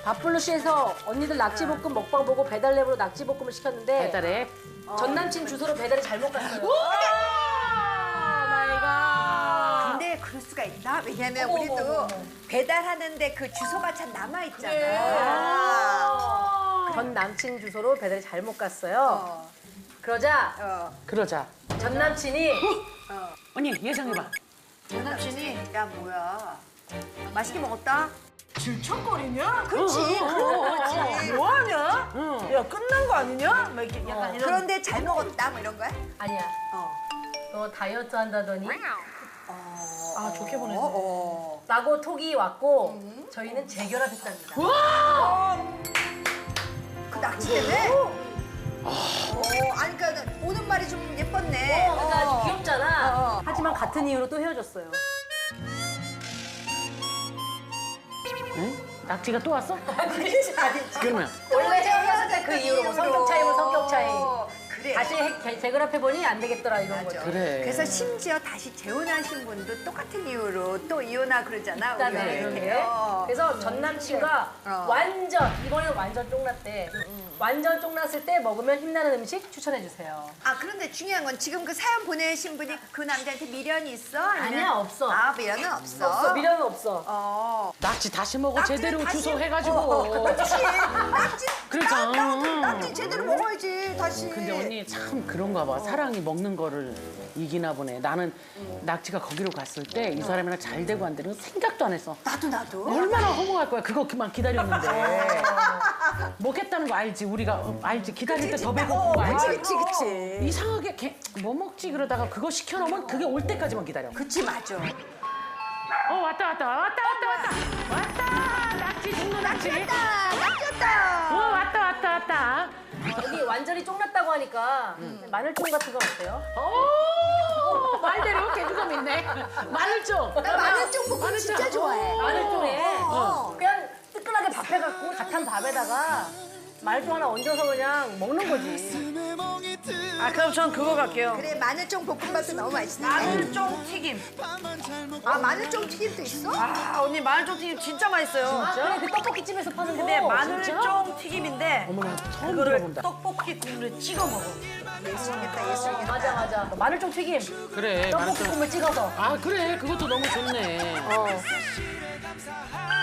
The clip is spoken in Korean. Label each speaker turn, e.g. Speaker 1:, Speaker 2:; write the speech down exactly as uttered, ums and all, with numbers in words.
Speaker 1: 밥블루시에서 언니들 낙지볶음 먹방 보고 배달앱으로 낙지볶음을 시켰는데
Speaker 2: 배달에.
Speaker 1: 전 남친 주소로 배달이 잘못 갔어요.
Speaker 2: 마이가.
Speaker 3: 근데 그럴 수가 있나? 왜냐면
Speaker 1: 어머,
Speaker 3: 우리도
Speaker 1: 어머, 어머.
Speaker 3: 배달하는데 그 주소가 참 남아있잖아.
Speaker 1: 그래.
Speaker 3: 아.
Speaker 1: 전 남친 주소로 배달이 잘못 갔어요.
Speaker 3: 어.
Speaker 1: 그러자
Speaker 3: 어.
Speaker 2: 그러자.
Speaker 1: 전 남친이
Speaker 2: 언니 예상해봐.
Speaker 3: 전 남친이 야 뭐야 맛있게 먹었다?
Speaker 4: 질척거리냐?
Speaker 3: 그렇지 그런 거지.
Speaker 4: 뭐하냐?
Speaker 2: 응.
Speaker 4: 야 끝난 거 아니냐? 막 이렇게 약간 이런.
Speaker 3: 그런데 잘 먹었다 뭐 이런 거야?
Speaker 1: 아니야.
Speaker 3: 어.
Speaker 1: 너 다이어트 한다더니
Speaker 4: 아 좋게 보냈네.
Speaker 3: 어, 어.
Speaker 1: 라고 톡이 왔고 저희는 재결합했답니다.
Speaker 3: 그 낙지 때문에? 어, 아니 그러니까 오는 말이 좀 예뻤네.
Speaker 1: 어, 그러니까 아주 귀엽잖아.
Speaker 3: 어.
Speaker 1: 하지만 같은 이유로 또 헤어졌어요.
Speaker 2: 응? 낙지가 또 왔어?
Speaker 3: 아니지 아니지.
Speaker 2: 그러면
Speaker 1: 원래 헤어졌을 때 그 이유로 뭐 성격 차이면 성격 차이.
Speaker 3: 그래.
Speaker 1: 다시 해- 재결합해보니 안 되겠더라 이런
Speaker 3: 맞아.
Speaker 1: 거죠.
Speaker 2: 그래.
Speaker 3: 그래서 심지어 다시 재혼하신 분도 똑같은 이유로 또 이혼하 그러잖아.
Speaker 1: 일단은
Speaker 3: 우리가
Speaker 1: 그런
Speaker 3: 이렇게.
Speaker 1: 게.
Speaker 3: 어.
Speaker 1: 그래서 전 남친과
Speaker 3: 어.
Speaker 1: 완전 이번에는 완전 쫑났대. 완전 쫑났을 때 먹으면 힘나는 음식 추천해 주세요.
Speaker 3: 아 그런데 중요한 건 지금 그 사연 보내신 분이 그 남자한테 미련이 있어? 아니면-
Speaker 1: 아니야, 없어.
Speaker 3: 아 미련은 없어.
Speaker 1: 없어 미련은 없어.
Speaker 3: 어.
Speaker 2: 낙지 다시 먹어
Speaker 3: 낙지는
Speaker 2: 제대로
Speaker 3: 다시-
Speaker 2: 주소 해가지고.
Speaker 3: 어, 그렇지. 낙지.
Speaker 2: 그러니까.
Speaker 3: 나, 나, 낙지 제대로 먹어야지 다시.
Speaker 2: 근데 언니 참 그런가 봐. 사랑이 먹는 거를 이기나 보네. 나는 낙지가 거기로 갔을 때 이 사람이랑 잘 되고 안 되는 거 생각도 안 했어.
Speaker 3: 나도 나도.
Speaker 2: 얼마나 허무할 거야. 그거 그만 기다렸는데. 먹겠다는 거 알지? 우리가 어, 알지? 기다릴 때 더 배고픈 거 알지?
Speaker 3: 그치 그치 그치.
Speaker 2: 이상하게 걔, 뭐 먹지 그러다가 그거 시켜놓으면 그게 올 때까지만 기다려.
Speaker 3: 그치 맞아.
Speaker 2: 어 왔다 왔다 왔다 왔다 왔다 왔다 낙지 중도 낙지.
Speaker 3: 아, 낙지였다.
Speaker 2: 어 왔다 왔다 왔다.
Speaker 1: 여기 완전히 쫑났다고 하니까 마늘쫑 같은 건 어때요?
Speaker 2: 오 말대로 개그감 있네. 마늘쫑.
Speaker 3: 나 마늘쫑 볶음 진짜 좋아해.
Speaker 1: 마늘쫑에
Speaker 3: 어.
Speaker 1: 그냥 뜨끈하게 밥 해갖고 다 탄 밥에다가 마늘쫑 하나 얹어서 그냥 먹는 거지.
Speaker 4: 아 그럼 전 그거 갈게요.
Speaker 3: 그래 마늘쫑 볶음밥도 너무 맛있는데.
Speaker 4: 마늘쫑 튀김.
Speaker 3: 아 마늘쫑 튀김도 있어?
Speaker 4: 아 언니 마늘쫑 튀김 진짜 맛있어요.
Speaker 1: 아, 그래 그 떡볶이집에서 파는 거.
Speaker 4: 근데
Speaker 1: 진짜?
Speaker 4: 마늘쫑 튀김인데
Speaker 2: 어머나 처음
Speaker 4: 그거를
Speaker 2: 들어본다.
Speaker 4: 떡볶이 국물에 찍어 먹어.
Speaker 3: 예술이겠다 예술이겠다.
Speaker 1: 맞아 맞아. 마늘쫑 튀김.
Speaker 2: 그래
Speaker 1: 떡볶이
Speaker 2: 마늘쫑.
Speaker 1: 국물 찍어서.
Speaker 2: 아 그래 그것도 너무 좋네.
Speaker 1: 어.